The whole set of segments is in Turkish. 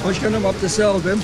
Başkanım abdesti aldım.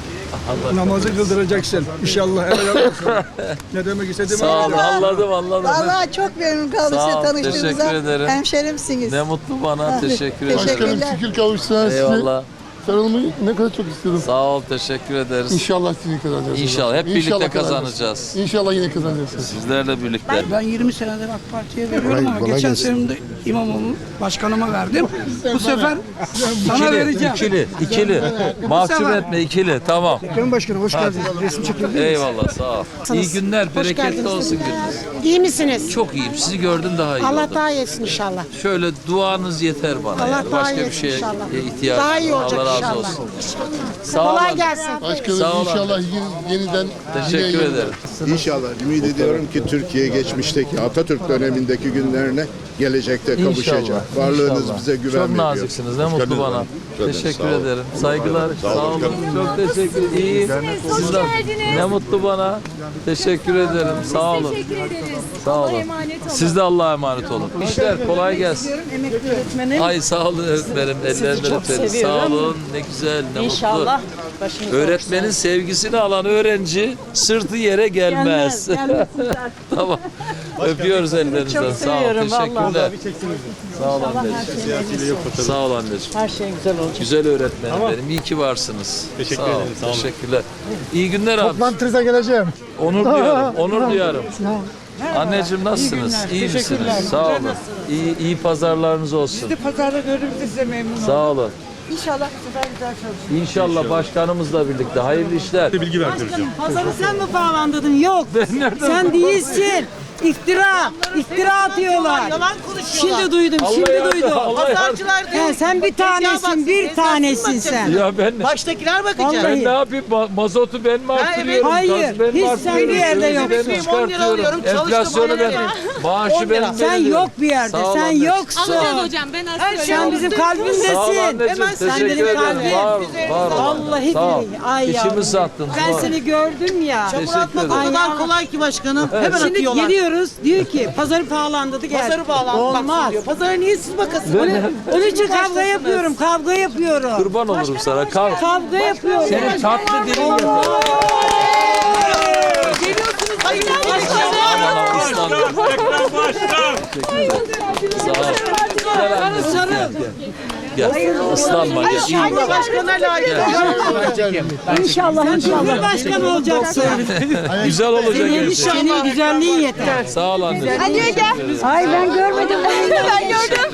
Namazı kıldıracaksın. İnşallah helal olsun. Ne demek istediğimi Sağ olun, anladım. Vallahi çok memnun kaldım Sağ size ol, tanıştığımıza. teşekkür ederim. Hemşerimsiniz. Ne mutlu bana, teşekkür ederim. Teşekkür- Başkanım şükür kavuştular size. Eyvallah. Sarılmayı ne kadar çok istedim. Sağ ol, teşekkür ederiz. İnşallah sizi kazanacağız. İnşallah, hep birlikte İnşallah kazanacağız. İnşallah yine kazanacağız. Sizlerle birlikte. Ben 20 senedir AK Parti'ye veriyorum ama kolay geçen gelsin. senemde İmamoğlu başkanıma verdim. Bu sefer sana vereceğim. İkili. Mahcup sefer- etme, ikili. Tamam. Sayın Başkanım hoş geldiniz. Resim çekildi. Eyvallah, sağ ol. İyi günler, bereketli olsun gününüz. İyi misiniz? Çok iyiyim, sizi gördüm daha iyi Allah oldum. daha iyisin inşallah. Şöyle duanız yeter bana. Allah yani. daha Başka bir iyisin şeye inşallah. ihtiyacım Daha iyi yok. olacak Allah razı inşallah. olsun. Sağ Kolay olun. gelsin. Başkanım Sağ olun. inşallah yeniden Teşekkür ederim. İnşallah ümit ediyorum ki Türkiye geçmişteki Atatürk dönemindeki günlerine gelecekte kavuşacak. İnşallah. Varlığınız İnşallah. bize güven Çok veriyor. naziksiniz. Ne mutlu bana. Teşekkür Sağ olun. ederim. Saygılar. Sağ olun. Çok teşekkür ederim. İyiyim. Siz de- Ne mutlu bana. Teşekkür ederim. Sağ olun. Teşekkür ederiz. Sağ olun. Allah'a emanet olun. Siz de Allah'a emanet olun. İşler kolay gelsin. Emekli öğretmenim. Ay sağ olun öğretmenim. Ellerinden öperim. Sağ olun. Ne güzel. Ne İnşallah mutlu. Öğretmenin sevgisini alan öğrenci sırtı yere gelmez. Tamam. Öpüyoruz ellerinizden. Sağ ol. Teşekkürler. Sağ ol anneciğim. Sağ ol anneciğim. Her şey güzel olacak. Güzel öğretmenim benim. İyi ki varsınız. Teşekkür ederim. Teşekkürler. İyi günler abi. Toplantınıza geleceğim. Onur duyarım. Onur duyarım. Anneciğim nasılsınız? İyi misiniz? Sağ olun. İyi pazarlarınız olsun. Pazarda gördüğümüzde size memnun Sağ olun. İnşallah bu sefer güzel çalışır. İnşallah başkanımızla birlikte. Hayırlı işler. Pazarı sen mi bağlandırdın? Yok. Sen değilsin. İftira atıyorlar. Yalan konuşuyorlar. Şimdi duydum, Allah yardım. He, sen bir tanesin, bir tanesin sen. Ya ben Baştakiler bakacak. ben Vallahi. ne yapayım? Mazotu ben mi arttırıyorum? Hayır, Gazı ben mi hiç sen arttırıyorum? bir yerde Sözü yok. ben mi 10 lira çıkartıyorum? alıyorum, çalıştım, Enflasyonu 10 ben, lira. maaşı 10 lira. ben Sen veriyorum. yok bir yerde, Sağ ol sen anneciğim. yoksun. Hocam ben aslında Sen bizim Sağ ol kalbimdesin. anneciğim. Hemen sen Teşekkür benim ederim. kalbim. Var ol. Vallahi Sağ ol. billahi. Ay İçimi yavrum. sattın. Ben Var. seni gördüm ya. Teşekkür Atmak o ederim. kadar kolay ki başkanım. Hemen Şimdi atıyorlar. geliyoruz, diyor ki pazarı pahalandırdı geldi. Pazarı bağlanmak Olmaz. diyor. Pazara niye siz bakasınız? Onun için kavga yapıyorum. Kurban olurum sana. Kavga yapıyorum. Senin tatlı dilin yeter. Geliyorsunuz. Hayır. Sağ ol. Gel anne. Sarıl. Gel. Islanma gel. İyi bak. Başkan'a layık. İnşallah Cumhurbaşkanı olacaksın. Güzel olacak her şey. Senin güzelliğin yeter. Sağ ol anneciğim. Ay ben görmedim. ben gördüm.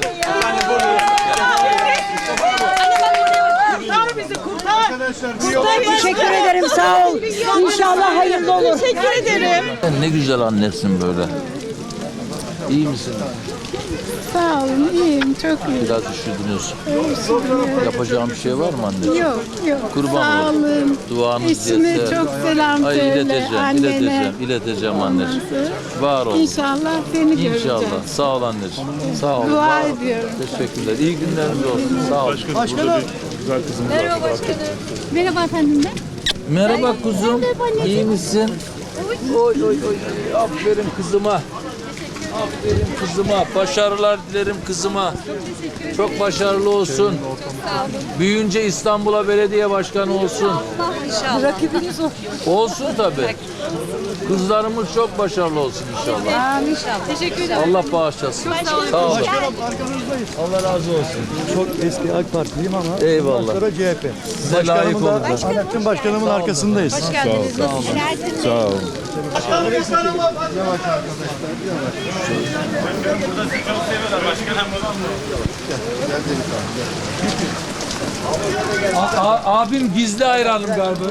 Kurtar bizi kurtar. Teşekkür ederim sağ ol. İnşallah hayırlı olur. Teşekkür ederim. Sen ne güzel annesin böyle. İyi misin? Sağ olun, iyiyim, çok iyiyim. Biraz üşüdünüz. Yapacağım bir şey var mı anneciğim? Yok, yok. Kurban Sağ olurum. olun. Duanız Eşime yeter. çok selam Ay söyle. Annene. ileteceğim anneciğim. Var ol. İnşallah seni göreceğim. İnşallah. Sağ ol anneciğim. Sağ ol. Dua var ol. ediyorum. İyi günleriniz olsun. Sağ ol. Merhaba başkanım. Merhaba efendim de. Merhaba kuzum. İyi misin? Oy oy oy. Aferin kızıma. Aferin kızıma. Başarılar dilerim kızıma. Çok başarılı olsun. Büyüyünce İstanbul'a belediye başkanı olsun. Rakibiniz o. Olsun tabii. Kızlarımız çok başarılı olsun inşallah. İnşallah. Teşekkür ederim. Allah bağışlasın. Sağ olun. Allah razı olsun. Çok eski AK Partiliyim ama Eyvallah. sonra CHP. Size layık olacağım. Anettin Başkanımın arkasındayız. Hoş geldiniz. Sağ olun. Abim gizli hayranım galiba.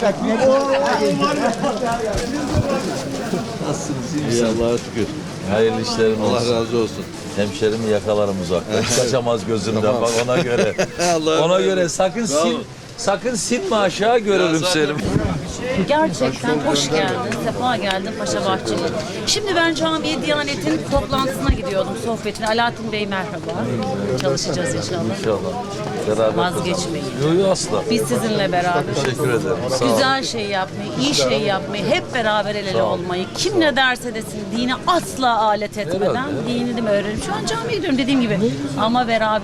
Nasılsınız? İyi misiniz? Allah'a şükür. Hayırlı işlerin olsun. Allah razı olsun. Hemşerimi yakalarım uzakta. Kaçamaz gözümden bak ona göre. Ona göre sakın silme aşağı görürüm seni. Gerçekten hoş geldin, sefa geldin Paşa Bahçeli. Şimdi ben camiye Diyanet'in toplantısına gidiyordum, sohbetine. Alaaddin Bey merhaba. Çalışacağız inşallah. İnşallah. Beraber Vazgeçmeyin. Yok yok asla. Biz sizinle beraber. Teşekkür ederim. Sağ olun. Güzel şey yapmayı, iyi şey yapmayı, hep beraber el ele olmayı, kim ne derse desin dini asla alet etmeden dinini öğrenelim. Şu an camiye gidiyorum dediğim gibi ama beraberiz.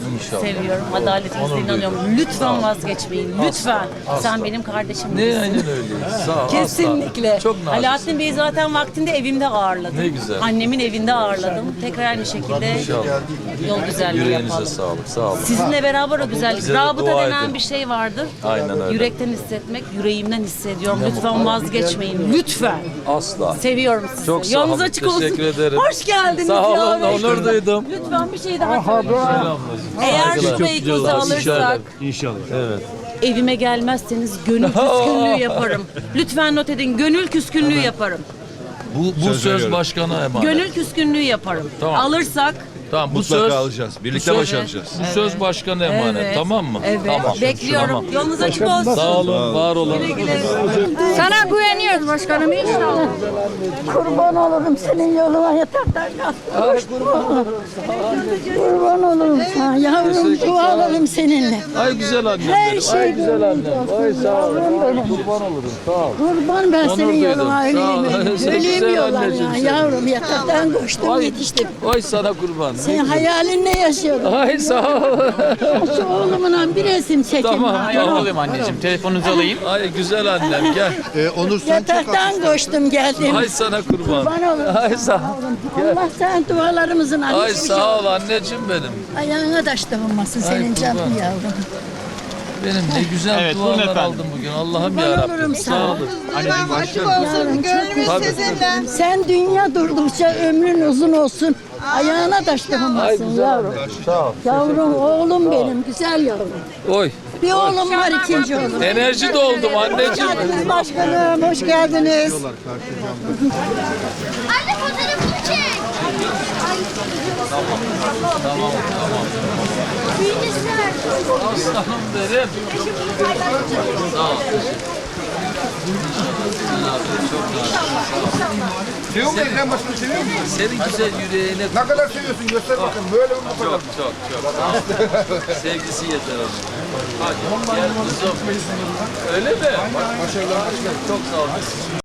İnşallah. Seviyorum. Adaletinize Onur inanıyorum. duydum. Lütfen vazgeçmeyin. Lütfen. Sen benim kardeşim Ne gibisin. aynen öyle. Sağ ol. Kesinlikle. Asla. Çok naziksin. Alaaddin Bey'i zaten vaktinde evimde ağırladım. Ne güzel. Annemin evinde ağırladım. Tekrar aynı şekilde İnşallah. yol güzelliği Yüreğinize yapalım. sağlık. Sağ olun. Sizinle beraber o güzellik. Bize de Rabıta dua denen edin. bir şey vardır. Aynen öyle. Yürekten hissetmek, yüreğimden hissediyorum. Lütfen vazgeçmeyin. Lütfen. Asla. Seviyorum sizi. Çok sağ Yolunuz olun. açık olsun. Teşekkür ederim. Hoş geldiniz. Sağ olun. ya. Onur duydum. Lütfen bir şey daha söyleyeyim. Eğer şu beykozu alırsak evime gelmezseniz gönül küskünlüğü yaparım. Lütfen not edin. Gönül küskünlüğü yaparım. Bu söz başkana emanet. Gönül küskünlüğü yaparım. Tamam. Alırsak Tamam bu söz alacağız. Birlikte başaracağız. Bu söz başkana emanet. Evet. Tamam mı? evet Tamam. bekliyorum. Tamam. Yolunuz açık olsun. Sağ olun, var olun. Sana güveniyoruz başkanım inşallah. Kurban olurum senin yoluna yataktan kalktım. Kurban olurum sana yavrum dualarım seninle. Ay güzel annem Her benim. şey Ay güzel gönlünce annem. Ay sağ ol. Kurban olurum. Sağ ol. Kurban ben Onur senin duydum. yoluna Sağ ol. öleyim. Sen Öleyim güzel yollarına anneciğim sen. yavrum yataktan koştum yetiştim. Ay sana kurban. Sen hayalinle yaşıyordun. Ay sağ ol. Şu oğlumla bir resim çekin. Tamam. Alayım anneciğim. Telefonunuzu alayım. Ay güzel annem gel. Onur sen Yataktan koştum geldim. Ay sana kurban. Kurban olurum. Ay sağ ol. Allah sen dualarımızın Ay annesi bir şey sağ ol anneciğim benim. Ayağına taş olmasın senin kurban. canın yavrum. Benim ne güzel Evet, buyurun dualar efendim. aldım bugün. Allah'ım Kurban yarabbim. olurum Sağ sana. olun. Açık olsun. Gönlümüz Tabii. sizinle. Sen dünya durdukça ömrün uzun olsun. Ayağına taş Ay olmasın güzel yavrum. annem. Sağ ol. Yavrum oğlum benim güzel yavrum. Oy. Bir oğlum var ikinci oğlum. Enerji doldum anneciğim. Başkanım hoş geldiniz. Anne fotoğrafını çek. Tamam. Büyünüzler. Aslanım benim. Sağ ol. Seviyor musun Ekrem Başkan'ı seviyor musun? Senin güzel yüreğine Ne kadar seviyorsun göster bakın böyle mi bu kadar? çok. Sevgisi yeter ona. Hadi gel kızım. Öyle mi? Başarılar. Çok sağ ol.